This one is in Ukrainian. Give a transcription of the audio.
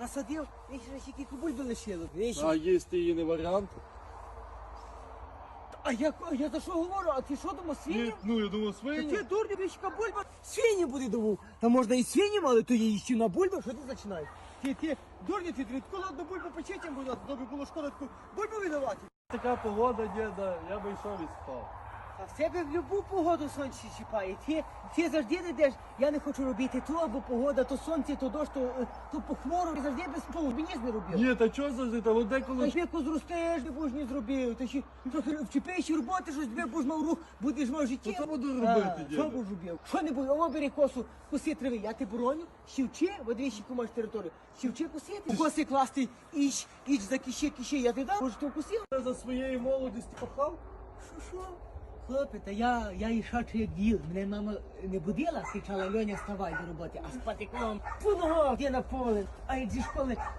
насадив, вічно ще бульби лишило. А їсти її не варіант? А я за що говорю? А ти що думав, свині? Ну, я думав, Та свині. ти дурня, вічка бульба, свині буде думав. Та можна і свинім, але то є іще на бульбу, що ти починаєш? Ти дурня, ти відколи одну бульбу почетям буде, тобі було шкода таку бульбу віддавати. Така погода, діда, я би йшов і спав. А в тебе в любу погоду сонце чіпає. Ти завжди не йдеш, я не хочу робити то, або погода, то сонце, то дощ, то похмуро. Ти завжди без полу, мені ж не робив. Ні, та чого завжди, та от Та деколи... ж віку зростеш, не будеш не зробив. Ти ще трохи вчепиш роботи, щось тебе будеш мав рух, будеш мав життя. То що буду робити, діда? Що будеш робив? Що не буде? О, бери косу, коси трави, я тебе бороню, щівчи, от двічі маєш територію, щівчи косити. Коси класти, іч за киші, я ти дам, може ти вкусив? Я за своєї молодості пахав? Що? Хлопець, та я і шачу як діл. Мене мама не будила, кричала: Льоня, вставай до роботи, а з патиком по ногах, де на поле, а як зі школи